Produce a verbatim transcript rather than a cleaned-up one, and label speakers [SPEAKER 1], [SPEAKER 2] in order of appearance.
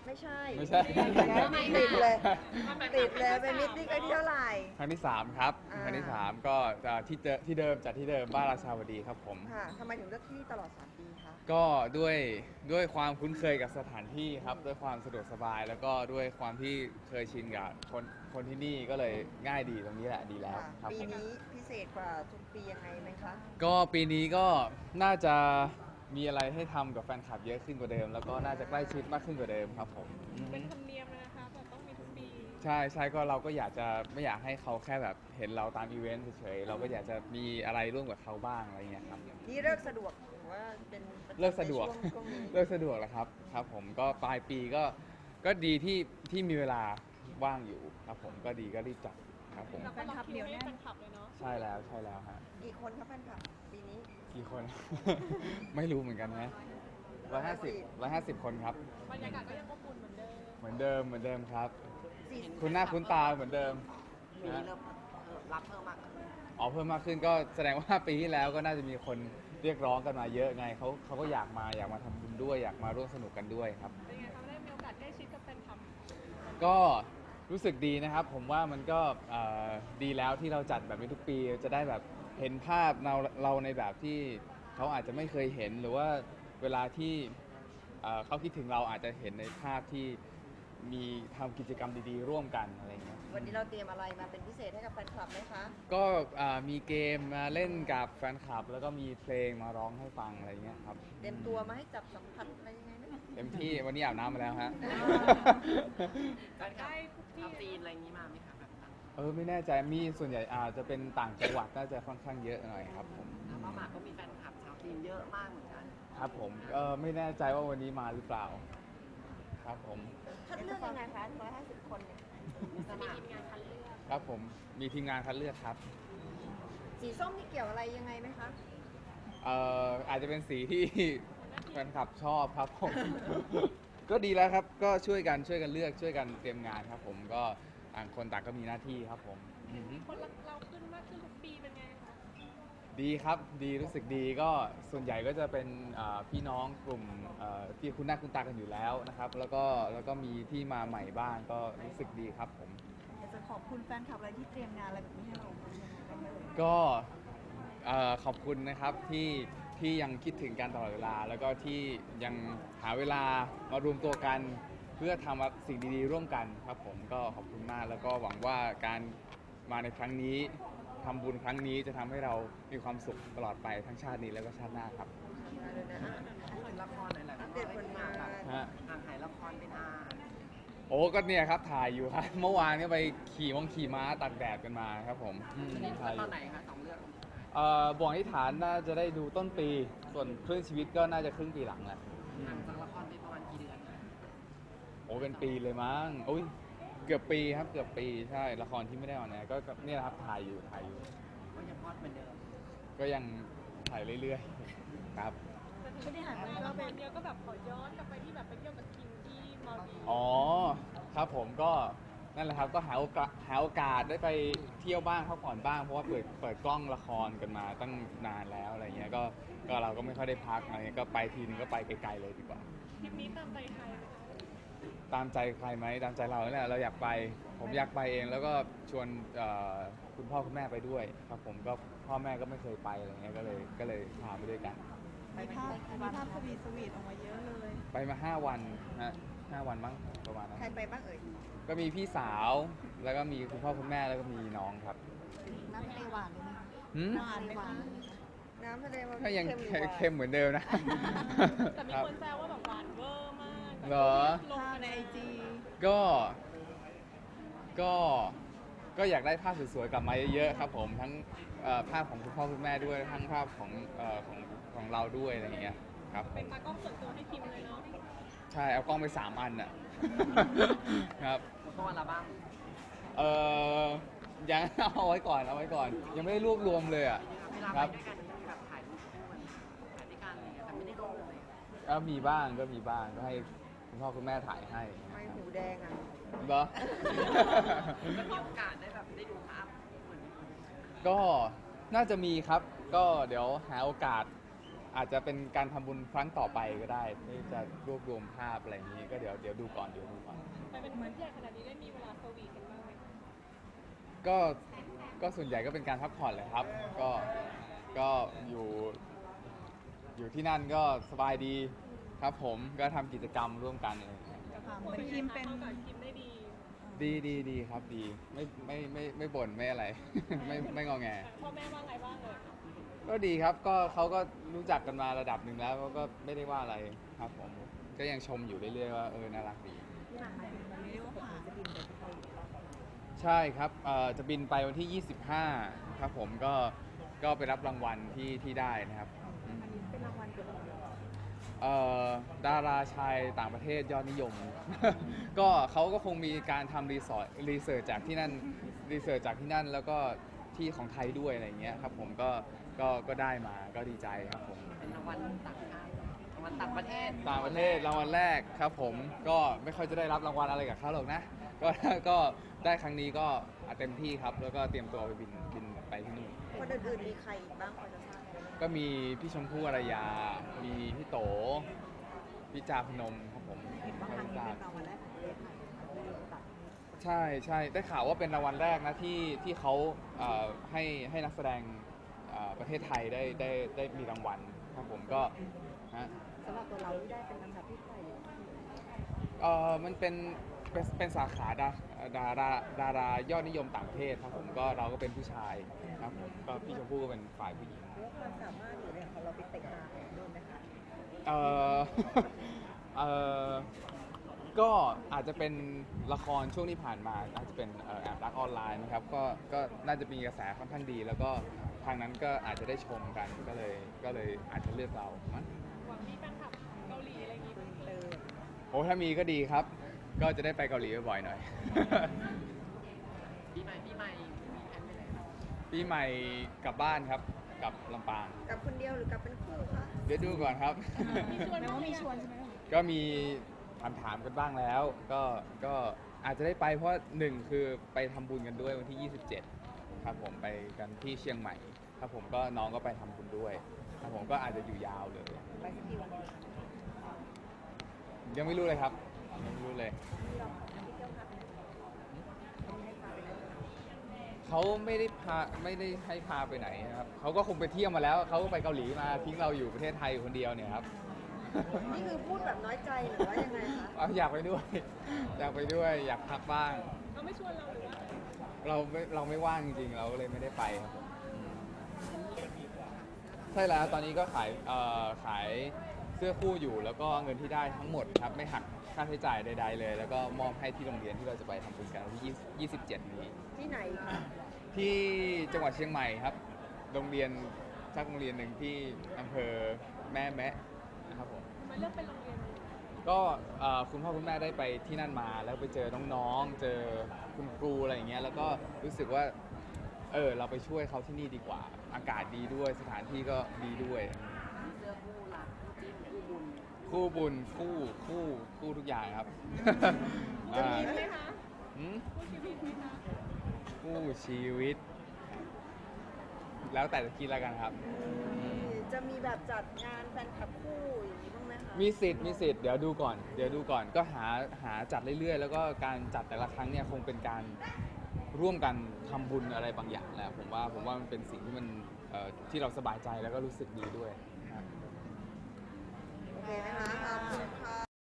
[SPEAKER 1] ไม่ใช่
[SPEAKER 2] ไม่ใช่
[SPEAKER 1] ติดเลยติดเลยเป็นมิตติ้งครั้งที่เท่าไหร่
[SPEAKER 2] ครั้งที่สามครับ
[SPEAKER 1] อ่า
[SPEAKER 2] ครั้งที่สามก็จะที่เจอที่เดิมจัดที่เดิมบ้านราชาวดีครับผม
[SPEAKER 1] ค่ะทำไมถึงเลือกที่ตลอดสามปีคะ
[SPEAKER 2] ก็ด้วยด้วยความคุ้นเคยกับสถานที่ครับด้วยความสะดวกสบาย แล้วก็ด้วยความที่เคยชินกับคนคนที่นี่ก็เลยง่ายดีตรงนี้แหละดีแล้ว
[SPEAKER 1] ค่ะ
[SPEAKER 2] ครับ
[SPEAKER 1] ปี
[SPEAKER 2] ผม
[SPEAKER 1] นี้พิเศษกว่าทุกปียังไงไหมคะ
[SPEAKER 2] ก็ปีนี้ก็น่าจะมีอะไรให้ทำกับแฟนคลับเยอะขึ้นกว่าเดิม แล้วก็น่าจะใกล้ชิดมากขึ้นกว่าเดิมครับผมอืม
[SPEAKER 3] เป็นธรรมเนียมเลยนะคะแบบต้องมีทุกปี
[SPEAKER 2] ใช่ใช่ก็เราก็อยากจะไม่อยากให้เขาแค่แบบเห็นเราตามอีเวนต์เฉยๆเราก็อยากจะมีอะไรร่วมกับเขาบ้างอะไรเงี้ยครับ
[SPEAKER 1] นี่เลิกสะดวกหรือว่าเป็นประจำ
[SPEAKER 2] เลิกสะดวก
[SPEAKER 1] ในช่งช่วงนี้
[SPEAKER 2] เลิกสะดวกแล้วครับครับผมก็ปลายปีก็ก็ดีที่ที่มีเวลาว่างอยู่ครับผมก็ดีก็รีบจัดครับผม
[SPEAKER 3] เราก็ล็อกคิวให้แฟนคลับเลยเนาะ
[SPEAKER 2] ใช่แล้วใช่แล้วฮะ
[SPEAKER 1] กี่คนครับแฟนคลับปีนี้
[SPEAKER 2] กี่คน ไม่รู้เหมือนกันนะร้อยห้าสิบร้อยห้าสิบคนครับ
[SPEAKER 3] บรรยากาศก็ยังอบอุ่นเหมือนเดิม
[SPEAKER 2] เหมือนเดิมเหมือนเดิมครับ
[SPEAKER 1] สี่
[SPEAKER 2] คุณหน้าคุณตาเหมือนเดิม
[SPEAKER 4] ปีนี้เริ่มรับเพิ่มมากขึ้น
[SPEAKER 2] อ๋อเพิ่มมากขึ้นก็แสดงว่าปีที่แล้วก็น่าจะมีคนเรียกร้องกันมาเยอะไงเขาเขาก็อยากมาอยากมาทำบุญด้วยอยากมาร่วมสนุกกันด้วยครับ
[SPEAKER 3] เป็นไงคะได้มีโอกาสใกล้ชิดกับแฟนคลับ
[SPEAKER 2] ก็รู้สึกดีนะครับ ผมว่ามันก็เอ่อดีแล้วที่เราจัดแบบนี้ทุกปีจะได้แบบเห็นภาพเราเราในแบบที่เขาอาจจะไม่เคยเห็นหรือว่าเวลาที่เอ่อเขาคิดถึงเราอาจจะเห็นในภาพที่มีทำกิจกรรมดีๆ ร่วมกันอะไรเงี้ย
[SPEAKER 1] วันนี้เราเตรียมอะไรมาเป็นพิเศษให้กับแฟนคลับไหมคะ
[SPEAKER 2] ก็อ่ามีเกมมาเล่นกับแฟนคลับ แล้วก็มีเพลงมาร้องให้ฟังอะไรเงี้ยครับ
[SPEAKER 1] เตรียมตัวมาให้จับสัมผัสอะไรยังไงไหม
[SPEAKER 2] เต็มที่วันนี้อาบน้ำมาแล้วฮะ
[SPEAKER 4] แฟนคลับชาวจีนอะไรอย่างนี้มาไหมคะแบบนั้น
[SPEAKER 2] เออไม่แน่ใจมีส่วนใหญ่อาจจะเป็นต่างจังหวัดน่าจะค่อนข้างเยอะหน่อยครับผม
[SPEAKER 4] แล้วป้าหมากก็มีแฟนคลับชาวจีนเยอะมากเหมือนกัน
[SPEAKER 2] ครับผมเออไม่แน่ใจว่าวันนี้มาหรือเปล่า ครับผม
[SPEAKER 1] คัดเลือกยังไงคะร้อยห้าสิบคนเนี่ย
[SPEAKER 4] มีส
[SPEAKER 3] มี
[SPEAKER 4] มัคร
[SPEAKER 3] ทีมงานคัดเลือก
[SPEAKER 2] ครับผมมีทีมงานคัดเลือกครับ
[SPEAKER 1] สีส้มนี่เกี่ยวอะไรยังไงไหมคะ
[SPEAKER 2] เอ่ออาจจะเป็นสีที่ แฟนคลับชอบครับผม ก็ดีแล้วครับก็ช่วยกันช่วยกันเลือกช่วยกันเตรียมงานครับผมก็ต่างคนต่างก็มีหน้าที่ครับผมอือฮึ
[SPEAKER 3] คนรักเราขึ้นมากขึ้นทุกปีเป็นไงคะ
[SPEAKER 2] ดีครับดีรู้สึกดีก็ส่วนใหญ่ก็จะเป็นอ่าพี่น้องกลุ่มเอ่อที่คุณหน้าคุณตากันอยู่แล้วนะครับ แล้วก็แล้วก็มีที่มาใหม่บ้างก็รู้สึกดีครับผม
[SPEAKER 1] อยากจะขอบคุณแฟนคลับอะไรที่เตรียมงานอะไรแบบนี้ให้เรา
[SPEAKER 2] ก็เอ่อขอบคุณนะครับที่ที่ยังคิดถึงกันตลอดเวลา แล้วก็ที่ยังหาเวลามารวมตัวกันเพื่อทำสิ่งดีๆร่วมกันครับผมก็ขอบคุณมากแล้วก็หวังว่าการมาในครั้งนี้ทำบุญครั้งนี้จะทำให้เรามีความสุขตลอดไปทั้งชาตินี้แล้วก็ชาติหน้าครับ
[SPEAKER 1] มาเลยนะ
[SPEAKER 4] พูดถึงละครหน่อยแหละ
[SPEAKER 1] อัปเดตผลงาน
[SPEAKER 4] แบบ
[SPEAKER 2] ฮะ
[SPEAKER 4] ห่างหายละครเป็นอา
[SPEAKER 2] โอ้ก็เนี่ยครับถ่ายอยู่ครับ เมื่อวานก็ไปขี่มงขี่ม้าตากแดดกันมาครับผมอืม
[SPEAKER 4] นี่
[SPEAKER 2] ถ่ายอ
[SPEAKER 4] ตอยู่ นไหนคะสองเรื่อง
[SPEAKER 2] เอ่อบ่วงที่ฐานน่าจะได้ดูต้นปี ส่วนคลื่นชีวิตก็น่าจะครึ่งปีหลังแหละอื
[SPEAKER 4] ห่าง
[SPEAKER 2] ม
[SPEAKER 4] จากละครไปประมาณกี่เดือนคะ
[SPEAKER 2] โอ้เป็นปีเลยมั้งโอ้ยเกือบปีครับเกือบปีใช่ละครที่ไม่ได้ออนแอร์ก็ก็เนี่ยแหละครับถ่ายอยู่ถ่ายอยู่
[SPEAKER 4] ก็ยังฮอตเหมือนเดิม
[SPEAKER 2] ก็ยังถ่ายเรื่อยๆครับ
[SPEAKER 3] แต่ถึงที่หันไปละครเดียวก็แบบขอย้อนกลับไปที่แบบไปเที่ยวกับคิมที่มาดีฟ
[SPEAKER 2] อ๋อครับผมก็นั่นแหละครับก็หาโอกาสหาโอกาสได้ไปเที่ยวบ้างพักผ่อนบ้างเพราะว่าเปิดเปิดกล้องละครกันมาตั้งนานแล้วอะไรเงี้ยก็ก็เราก็ไม่ค่อยได้พักอะไรเงี้ยก็ไปทีนึงก็ไปไกลๆเลยดีกว่า
[SPEAKER 3] ทริปนี้ตามใจใครไหมคะ
[SPEAKER 2] ตามใจใครไหมตามใจเราเนี่ยเราอยากไป ผมอยากไปเองแล้วก็ชวนเอ่อคุณพ่อคุณแม่ไปด้วยครับผมก็พ่อแม่ก็ไม่เคยไปอะไรเงี้ยก็เลยก็เลยพาไปด้วยกัน
[SPEAKER 1] มีภาพมีภาพสวีทสวีทออกมาเยอะเลย
[SPEAKER 2] ไปมาห้าวันฮะห้าวันมั้งประมาณนั้น
[SPEAKER 1] ใครไปบ้างเอ่ย
[SPEAKER 2] ก็มีพี่สาวแล้วก็มีคุณพ่อคุณแม่แล้วก็มีน้องครับ
[SPEAKER 1] น้ำทะเลหวานเลยไหม
[SPEAKER 2] หืม
[SPEAKER 1] หวานไหมคะน้ำทะเลมัน
[SPEAKER 2] ก็ยัง
[SPEAKER 1] หรือหวาน
[SPEAKER 2] เค็มเหมือนเดิมนะ
[SPEAKER 3] แต่มี
[SPEAKER 2] ครับ
[SPEAKER 3] คนแซวว่าแบบหวานเวอร์มาก
[SPEAKER 2] เหรอ
[SPEAKER 3] ลงในไอจี
[SPEAKER 2] ก็ก็ก็อยากได้ภาพสวยๆกลับมาเยอะๆครับผมทั้งเอ่อภาพของคุณพ่อคุณแม่ด้วยทั้งภาพของเอ่อของของเราด้วยอะไรอย่างเงี้ยครับผ
[SPEAKER 3] เป็น
[SPEAKER 2] ม
[SPEAKER 3] ตากล้องส่วนตัวให้คิมเลยเนาะ
[SPEAKER 2] ใช่เอากล้องไปสามอันอ่ะ ครับ
[SPEAKER 4] แล้วก็วันละบ้าง
[SPEAKER 2] เออยังเอาไว้ก่อนเอาไว้ก่อน ยังไม่ได้รวบรวมเลยอ่ะ
[SPEAKER 4] เวลา
[SPEAKER 2] ค
[SPEAKER 4] ไป
[SPEAKER 2] รับ
[SPEAKER 4] ด้วยกันจะมีแบบถ่ายรูปคู่กันถ่ายด้วยกันอะไรอย่างเงี้ยแต่ไม่ได้ลงเลย
[SPEAKER 2] ก็มีบ้างก็มีบ้างก็ให้คุณพ่อคุณแม่ถ่ายให้
[SPEAKER 1] ไม่หูแดงอ่ะ
[SPEAKER 2] เหรอ
[SPEAKER 4] ก็มีโอกาสได้แบบได้ดูภาพเหมือน
[SPEAKER 2] ก็น่าจะมีครับ ก็เดี๋ยวหาโอกาสอาจจะเป็นการทำบุญครั้งต่อไปก็ได้ที่จะรวบรวมภาพอะไรอย่างนี้ก็เดี๋ยวเดี๋ยวดูก่อนเดี๋ยวดูก่อน
[SPEAKER 3] ไปเป็นเพื่อนใหญ่ขนาดนี้ได้มีเวลาสวีทกันบ้างไหม
[SPEAKER 2] ก็ก็ส่วนใหญ่ก็เป็นการพักผ่อนเลยครับ ก็ก็อยู่อยู่ที่นั่นก็สบายดีครับผมก็ทำกิจกรรมร่วมกันอะไรอย่างเงี้ย
[SPEAKER 1] เหมือนคิมเป็น
[SPEAKER 3] เข้ากับคิมได้ดี
[SPEAKER 2] ดีดีดีครับดีไม่ไม่ไม่ไม่บ่นไม่อะไร ไม่ไม่งอแง
[SPEAKER 3] พ่อแม่ว่าไงบ้างเลย
[SPEAKER 2] ก็ดีครับก็เขาก็รู้จักกันมาระดับหนึ่งแล้วก็ไม่ได้ว่าอะไรครับผมก็ยังชมอยู่เรื่อยๆว่าเออน่ารักดี
[SPEAKER 1] ที่หลังมามันไม่ได้ว่าผ่านจะบินไปที่เกาหลี
[SPEAKER 2] ใช่ครับเอ่อจะบินไปวันที่ ยี่สิบห้า ครับผมก็ก็ไปรับรางวัลที่ที่ได้นะครับอืม
[SPEAKER 1] อันนี้เป็นรางวัลเกี่ยวกับอะไร
[SPEAKER 2] เอ่อดาราชายต่างประเทศยอดนิยม ก็เขาก็คงมีการทำรีสอร์ทรีเสิร์ชจากที่นั่นรีเสิร์ชจากที่นั่นแล้วก็ที่ของไทยด้วยอะไรอย่างเงี้ยครับผมก็ก็ก็ได้มาก็ดีใจครับผม
[SPEAKER 4] เป็นรางวัลต่างชาติรางวัลต่างประเทศ
[SPEAKER 2] ต่างประเทศรางวัลแรกครับผมก็ไม่ค่อยจะได้รับรางวัลอะไรกับเขาหรอกนะ ก็ก็ได้ครั้งนี้ก็เต็มที่ครับ แล้วก็เตรียมตัวไปบินบินไปที่นู่น
[SPEAKER 1] คนอื่นๆมีใครอีกบ้างพอจะทราบไหม
[SPEAKER 2] ก็มีพี่ชมพู่อารยา มีพี่โตพี่จาพนมครับผม
[SPEAKER 1] เห็นว่าครั้งนี้เป็นรางวัลแรกของประเทศไทยไม่ได้แบบ
[SPEAKER 2] ใช่ใช่ได้ข่าวว่าเป็นรางวัลแรกนะที่ที่เขาเอ่อให้ให้นักแสดงเอ่อประเทศไทยได้ได้ได้มีรางวัลครับผมก็ฮะ
[SPEAKER 1] สำหรับตัวเราที่ได้เป็นลำดับที่เท่าไหร่
[SPEAKER 2] เออมันเป็นเป็นเป็นสาขาดาดาราดารายอดนิยมต่างประเทศครับผมก็เราก็เป็นผู้ชายครับผมก็พี่ชมพู่ก็เป็นฝ่ายผู้หญิง
[SPEAKER 1] เรื่องความสามารถหรืออะไรของเราไปเตะตาของนู่นไหมคะ
[SPEAKER 2] เออ เออก็อาจจะเป็นละครช่วงที่ผ่านมาอาจจะเป็นเอ่อแอบรักออนไลน์นะครับก็ก็น่าจะมีกระแสค่อนข้างดี แล้วก็ทางนั้นก็อาจจะได้ชมกันก็เลยก็เลยอาจจะเลือกเรามั้ง
[SPEAKER 3] หวังมีแฟนคลับเกาหลีอะไรอย่างงี้
[SPEAKER 1] เออ
[SPEAKER 2] โอ้ถ้ามีก็ดีครับ ก็จะได้ไปเกาหลีบ่อยๆหน่อย
[SPEAKER 4] ปีใหม่ปีใหม่มีแผนไปไหนครับ
[SPEAKER 2] ปีใหม่กลับบ้านครับกลับลำปาง
[SPEAKER 1] กับคนเดียวหรือกับเป็นคู่คะ
[SPEAKER 2] เดี๋ยวดูก่อนครับ
[SPEAKER 3] มีชวนไหมว่ามีชวนใช่ไหม
[SPEAKER 2] ก็มีถามถามๆกันบ้างแล้ว ก็ก็อาจจะได้ไปเพราะหนึ่งคือไปทำบุญกันด้วยวันที่ ยี่สิบเจ็ด ครับผมไปกันที่เชียงใหม่ครับผมก็น้องก็ไปทำบุญด้วยครับผมก็อาจจะอยู่ยาวเลย
[SPEAKER 1] ไปสักกี่วันดีคะ
[SPEAKER 2] ยังไม่รู้เลยครับยังไม่รู้เลย
[SPEAKER 1] ที่เราที่เที่ยวพักเนี่ยเขาไม่ให้พาไปไหน
[SPEAKER 2] เขาไม่ได้พาไม่ได้ให้พาไปไหนนะครับเขาก็คงไปเที่ยวมาแล้วเขาก็ไปเกาหลีมาทิ้งเราอยู่ประเทศไทยอยู่คนเดียวเนี่ยครับ
[SPEAKER 1] นี่คือพูดแบบน้อยใจหรือว่ายังไงคะ
[SPEAKER 2] เอาอยากไปด้วย อยากไปด้วยอยากพักบ้าง
[SPEAKER 3] เขาไม่ชวนเราหรือว่า
[SPEAKER 2] เราไม่เราไม่ว่างจริงๆ เราก็เลยไม่ได้ไปครับผมใช่แล้วตอนนี้ก็ขายเอ่อขายเสื้อคู่อยู่แล้วก็เงินที่ได้ทั้งหมดครับไม่หักค่าใช้จ่ายใดๆเลย แล้วก็มอบให้ที่โรงเรียนที่เราจะไปทำบุญกันวันที่ยี่สิบเจ็ดนี้
[SPEAKER 1] ที่ไหนคะ
[SPEAKER 2] ที่จังหวัดเชียงใหม่ครับ โรงเรียนสักโรงเรียนหนึ่งที่อำเภอแม่แมะนะครับผม
[SPEAKER 3] ทำไมเลือกเป็นโรงเรียนนี้
[SPEAKER 2] ก็เอ่อคุณพ่อคุณแม่ได้ไปที่นั่นมาแล้วไปเจอน้องๆ เจอคุณครูอะไรอย่างเงี้ยแล้วก็รู้สึกว่าเออเราไปช่วยเขาที่นี่ดีกว่า อากาศดีด้วยสถานที่ก็ดีด้วย
[SPEAKER 4] มีเสื้อคู่รักคู่จิ้นคู่บุญ
[SPEAKER 2] คู่บุญคู่คู่คู่ทุกอย่างครับ
[SPEAKER 3] จะ
[SPEAKER 2] อ่า
[SPEAKER 3] มีไหมคะ
[SPEAKER 2] หืม
[SPEAKER 3] คู่ชีวิตไหมคะ
[SPEAKER 2] คู่ชีวิต แล้วแต่จะคิดแล้วกันครับ
[SPEAKER 1] จะมีแบบจัดงานแฟนคลับคู่อย่างนี้บ้างไหมคะ
[SPEAKER 2] มีสิทธิ์มีสิทธิ์เดี๋ยวดูก่อนเดี๋ยวดูก่อนก็หาหาจัดเรื่อยๆ แล้วก็การจัดแต่ละครั้งเนี่ยคงเป็นการร่วมกันทำบุญอะไรบางอย่างแหละผมว่าผมว่ามันเป็นสิ่งที่มันเอ่อที่เราสบายใจแล้วก็รู้สึกดีด้วยนะครับ
[SPEAKER 1] โอเคไหมคะ